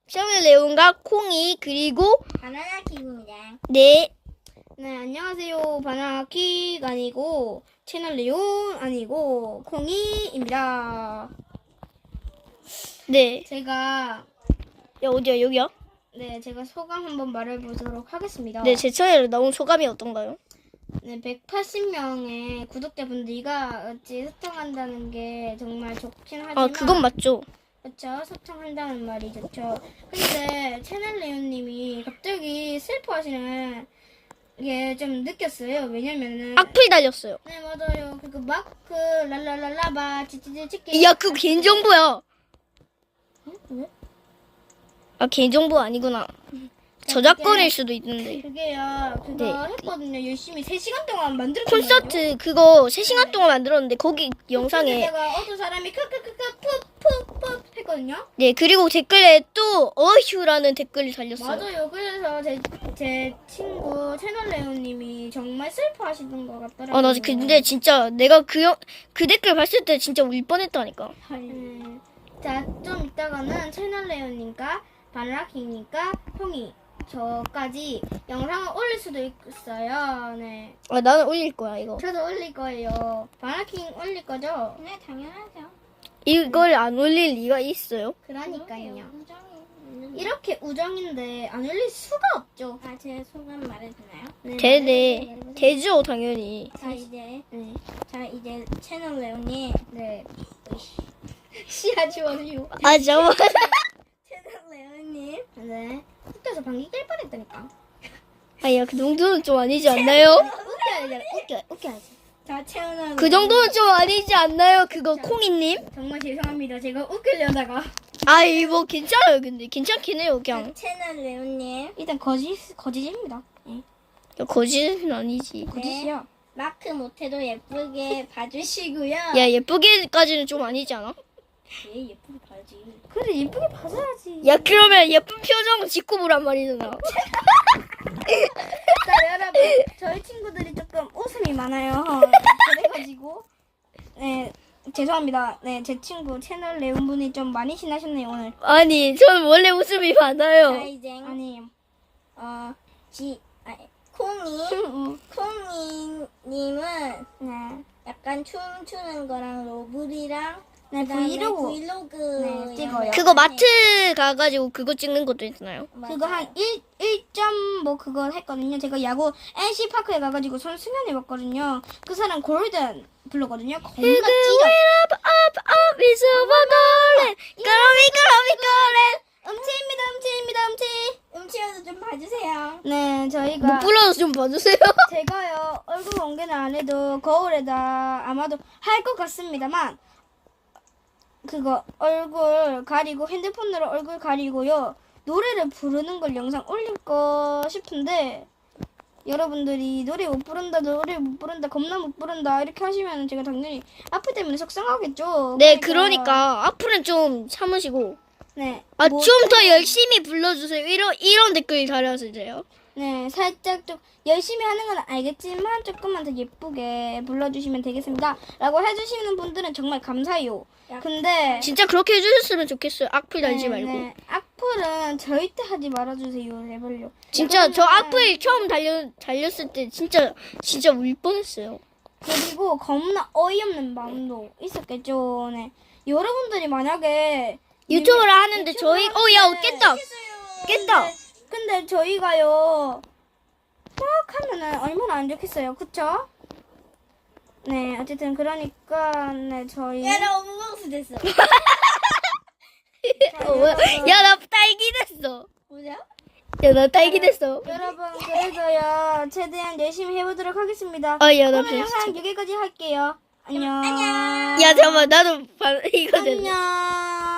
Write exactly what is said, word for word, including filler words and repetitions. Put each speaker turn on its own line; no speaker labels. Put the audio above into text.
채널 레온과 콩이 그리고
바나나 킥입니다.
네. 네, 안녕하세요. 바나나킥 아니고 채널 레온 아니고 콩이입니다. 네. 제가 야 어디야 여기야? 네, 제가 소감 한번 말해보도록 하겠습니다. 네, 제 채널에 나온 소감이 어떤가요? 네, 백팔십 명의 구독자분들이가 어찌 소통한다는 게 정말 좋긴 하지만 아, 그건 맞죠. 그렇죠. 소통한다는 말이 좋죠. 근데 채널 레온님이 갑자기 슬퍼하시는 게 좀 느꼈어요. 왜냐면은 악플 달렸어요. 네, 맞아요. 그거 마크 랄랄랄라바 치치치치키 야, 그거 개인정보야. 응? 왜? 아, 개인정보 아니구나. 저작권일 수도 있는데. 그게요. 그거 네. 했거든요. 열심히 세 시간 동안 만들었거든요. 콘서트 그거 세 시간 네. 동안 만들었는데 거기 영상에 내가 어떤 사람이 크크크크 푹푹푹 했거든요. 네. 그리고 댓글에 또 어휴라는 댓글을 달렸어요. 맞아요. 그래서 제, 제 친구 채널 레오님이 정말 슬퍼하시던 것 같더라고요. 아, 나 근데 진짜 내가 그, 영, 그 댓글 봤을 때 진짜 울 뻔했다니까. 음. 자, 좀 이따가는 채널 레오님과 바나나킥님과 형이 저까지 영상을 올릴 수도 있어요. 네. 아, 나는 올릴 거야, 이거. 저도 올릴 거예요. 바나나킥 올릴 거죠?
네, 당연하죠.
이걸 안 올릴 리가 있어요?
그러니까요.
이렇게 우정인데 안 올릴 수가 없죠.
아, 제 소감 말해주나요?
네, 되네. 되죠, 당연히.
자, 이제
네.
자, 이제 채널 레오님.
네. 씨야 지워주요. 아, 잠깐만.
채널 레오님.
네. 웃겨서 방귀 낄 뻔했다니까. 아야, 그 정도는 좀 아니지 않나요? 웃겨야지, 웃겨, 웃겨야지.
자, 채널
그 정도는 좀 아니지 않나요? 그거 콩이님? 정말 죄송합니다. 제가 웃기려다가. 아이, 뭐 괜찮아요. 근데 괜찮긴 해요, 그냥.
채널 레오님.
일단 거짓 거짓입니다. 네. 거짓은 아니지. 거짓이야.
네. 마크 못해도 예쁘게 봐주시고요.
야, 예쁘게까지는 좀 아니지 않아?
예, 예쁘게 봐야지.
그래, 예쁘게 봐줘야지. 야, 그러면 예쁜 표정 짓고 보란 말이잖아. 자, 여러분, 저희 친구들이 조금 웃음이 많아요. 그래가지고 네, 죄송합니다. 네, 제 친구 채널 레온 분이 좀 많이 신나셨네요 오늘. 아니, 전 원래 웃음이 많아요.
자, 이제
아니,
어, 지, 아니, 콩이, 콩이님은
네,
약간 춤추는 거랑 로블이랑
네,
그다음에
브이로그.
브이로그
네, 찍어요.
영상.
그거 마트 가가지고 그거 찍는 것도 있잖아요.
맞아요.
그거 한 일, 일 점 뭐 그거 했거든요. 제가 야구 엔씨파크에 가가지고 선수연 해봤거든요. 그 사람 골든 불렀거든요. 겁나 찢어. 음치입니다, 음치입니다, 음치.
음치여도 좀 봐주세요.
네, 저희가 못 불러서 좀 봐주세요. 제가요 얼굴 공개는 안 해도 거울에다 아마도 할 것 같습니다만 그거 얼굴 가리고 핸드폰으로 얼굴 가리고요 노래를 부르는 걸 영상 올릴 거 싶은데 여러분들이 노래 못 부른다 노래 못 부른다 겁나 못 부른다 이렇게 하시면 제가 당연히 악플 때문에 속상하겠죠. 네, 그러니까, 그러니까 악플은 좀 참으시고 네, 아, 뭐, 좀 더 열심히 불러주세요. 이런 이런 댓글 달아주세요. 네, 살짝 좀 열심히 하는 건 알겠지만 조금만 더 예쁘게 불러주시면 되겠습니다. 라고 해주시는 분들은 정말 감사해요. 근데 진짜 그렇게 해주셨으면 좋겠어요. 악플 달지 네, 말고. 네. 악플은 절대 하지 말아주세요. 제발요. 진짜 저 악플 처음 달려, 달렸을 때 진짜 진짜 울 뻔했어요. 그리고 겁나 어이없는 마음도 있었겠죠. 네. 여러분들이 만약에 유튜브를 하는데 저희 어 야 깼다 깼다 근데 저희가요 막 하면은 얼마나 안 좋겠어요, 그쵸? 네, 어쨌든 그러니까 네 저희
야, 나 오버박스 됐어.
야, 나 딸기 됐어.
뭐죠?
야, 나 딸기 됐어.
여러분, 그래서요 최대한 열심히 해보도록 하겠습니다.
아, 야, 나
오늘 영상 여기까지 할게요. 안녕.
안녕. 야, 잠깐만, 나도 이거 됐네.
안녕.